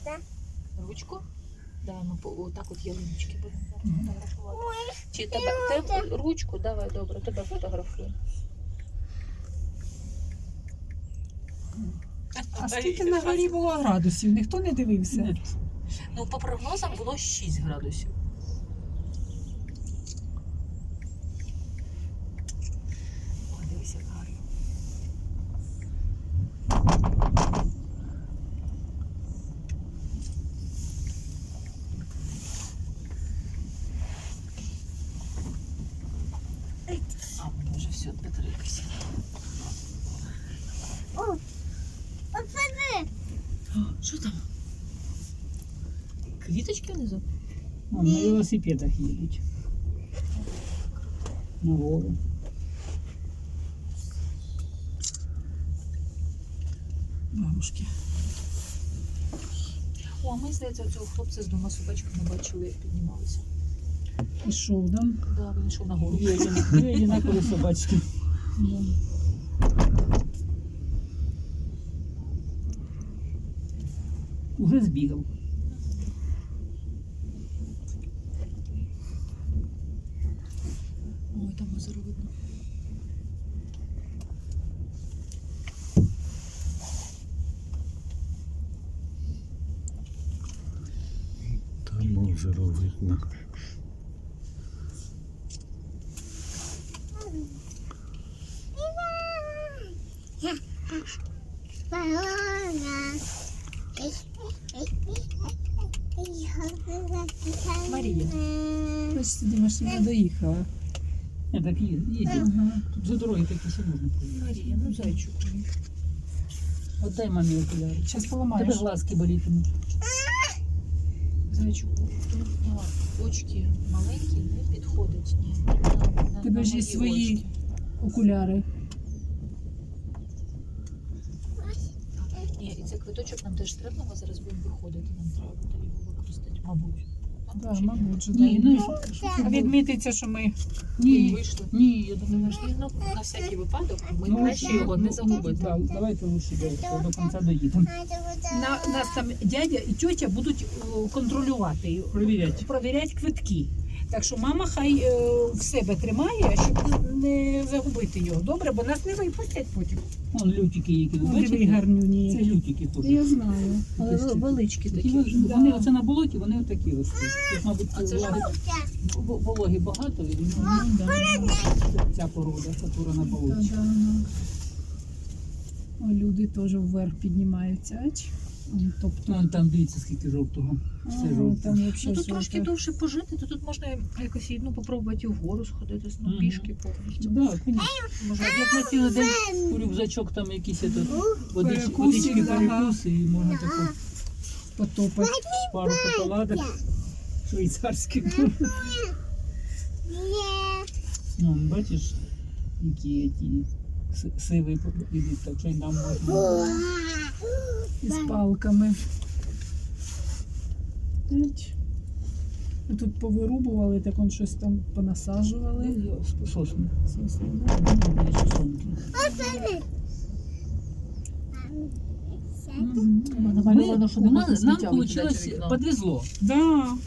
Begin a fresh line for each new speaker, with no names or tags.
Ручку? Да, ну отак от ялиночки будемо фотографувати. Чи тебе ручку? Давай, добре, тебе фотографую.
А скільки на горі було градусів? Ніхто не дивився?
Ну, по прогнозам було 6 градусів. О, дивись, як гарно. А, воно вже все, батарейка сіла. Що там? Квіточки внизу?
На велосипедах їдуть. На гору. Бабушки.
О, а ми, здається, цього хлопця з двома собачками бачили, як піднімалися.
Пішов, да?
Да, він йшов на гору.
Дві одинакові собачки. Да. Уже збігав.
Ой, там озеро видно.
Там озеро видно.
Марія.
Бачите, Дімашня доїхала.
Так їде.
Ага.
Тут за дороги такі ще можна поїхати.
Марія, ну зайчик.
Отдай мамі окуляри.
Зараз
Тебе
поламаєш.
глазки болітимуть.
Зайчику, очки маленькі, не підходить. Ні.
Тебе ж є
мої
свої
очки.
окуляри.
Ні, і цей квиточок нам теж треба, ми зараз будемо виходити, нам треба буде його використати, мабуть.
Так, мабуть, що
Ні, ну,
А відмітиться, що ми
ні,
Вийшли.
ні, я думаю,
Думаєш, ні, ну, на всякий випадок ми
ну,
краще його не загубити.
Да, давайте лучше до кінця доїдемо.
нас там дядя і тьотя будуть контролювати,
Провіряти.
квитки. Так що мама хай в себе тримає, щоб не загубити його. Добре, бо нас не випустять потім.
Вон лютики які.
Диви
Бачите?
гарнюні.
Це лютики ходять.
Я знаю.
Але величкі такі.
Такі, вони оце на болоті, вони отакі ростуть. Тут, мабуть,
А це ж
вологи багато, і ця порода, яка на болоті.
О, люди теж вверх піднімаються. Тобто,
Вон там дивіться, скільки жовтого. Все жовте.
там
Ну
взагалі
тут трошки довше пожити, то тут можна якось попробувати і вгору сходити, ну,
Мгм.
пішки повністю.
Да, конечно.
Може,
Як на цілий день у рюкзачок там якісь
Перекуси,
водички,
да.
перекуси, і можна таку
потопати.
пару шоколадок швейцарських. Ну, бачиш, які ті сиви ідуть, так що й нам можна.
Із палками. Тут повирубували, так он щось там понасаджували.
Сосни.
Сосни,
Є ще сонки.
Мгм.
Намальовано, що не можна
Нам
сміття викидати
вийшло,
в вікно.
подвезло.
Да.